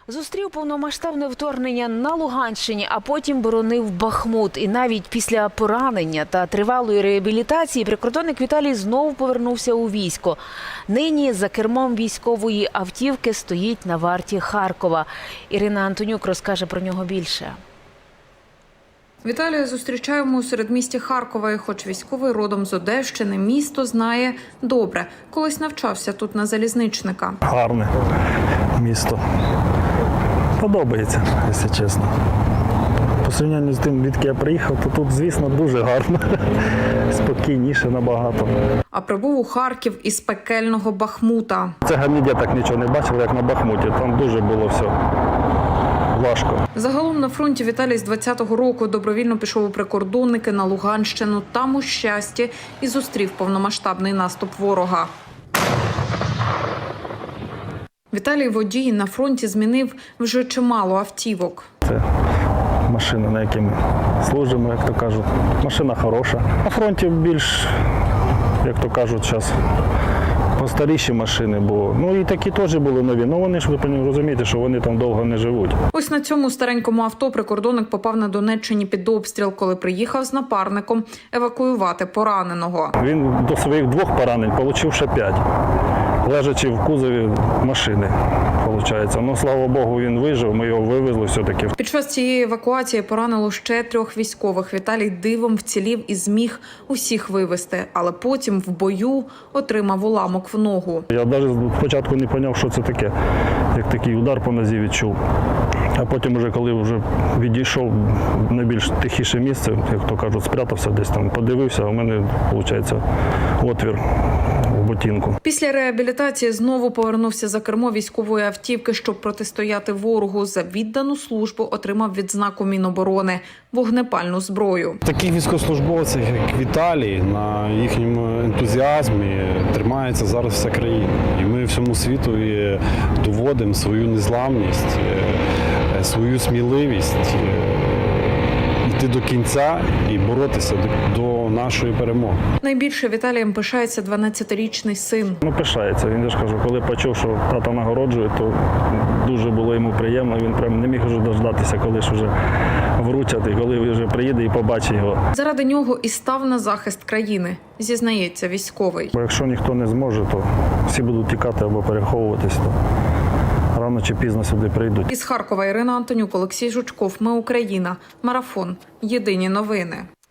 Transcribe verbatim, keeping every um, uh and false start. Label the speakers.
Speaker 1: Зустрів повномасштабне вторгнення на Луганщині, а потім боронив Бахмут. І навіть після поранення та тривалої реабілітації прикордонник Віталій знову повернувся у військо. Нині за кермом військової автівки стоїть на варті Харкова. Ірина Антонюк розкаже про нього більше.
Speaker 2: Віталія зустрічаємо у середмісті Харкова, і хоч військовий родом з Одещини, місто знає добре. Колись навчався тут на залізничника.
Speaker 3: Гарне місто. Подобається, якщо чесно. По порівнянню з тим, відки я приїхав, то тут, звісно, дуже гарно. Спокійніше набагато.
Speaker 2: А прибув у Харків із пекельного Бахмута.
Speaker 3: Це ніде так нічого не бачив, як на Бахмуті. Там дуже було все важко.
Speaker 2: Загалом на фронті Віталій з двадцятого року добровільно пішов у прикордонники на Луганщину. Там у Щасті і зустрів повномасштабний наступ ворога. Віталій водій на фронті змінив вже чимало автівок.
Speaker 3: Це машина, на якій ми служимо, як то кажуть. Машина хороша. На фронті більш, як то кажуть, зараз постаріші машини були. Ну і такі теж були нові. Ну вони ж, ви розумієте, що вони там довго не живуть. Ось
Speaker 2: на цьому старенькому авто прикордонник попав на Донеччині під обстріл, коли приїхав з напарником евакуювати пораненого.
Speaker 3: Він до своїх двох поранень отримав ще п'ять. Лежачи в кузові машини, виходить. Ну, слава Богу, він вижив, ми його вивезли все-таки.
Speaker 2: Під час цієї евакуації поранило ще трьох військових. Віталій дивом вцілів і зміг усіх вивезти, але потім в бою отримав уламок в ногу.
Speaker 3: Я навіть спочатку не зрозумів, що це таке, як такий удар по нозі відчув. А потім, вже, коли вже відійшов в найбільш тихіше місце, як то кажуть, спрятався десь там, подивився, а в мене, виходить, отвір в ботинку.
Speaker 2: Після реабілітації знову повернувся за кермо військової автівки, щоб протистояти ворогу. За віддану службу отримав відзнаку Міноборони – вогнепальну зброю.
Speaker 4: Таких військовослужбовців, як Віталій, на їхньому ентузіазмі тримається зараз вся країна. І ми всьому світу доводимо свою незламність, свою сміливість йти до кінця і боротися до нашої перемоги.
Speaker 2: Найбільше Віталієм пишається дванадцятирічний син.
Speaker 3: Ну, пишається. Він, я ж кажу, коли почув, що тата нагороджує, то дуже було йому приємно. Він прям не міг вже дождатися, коли ж вже вручать, і коли вже приїде і побачить його.
Speaker 2: Заради нього і став на захист країни, зізнається військовий.
Speaker 3: Бо якщо ніхто не зможе, то всі будуть тікати або переховуватись, то рано чи пізно сюди прийдуть.
Speaker 2: Із Харкова Ірина Антонюк, Олексій Жучков. Ми Україна. Марафон. Єдині новини.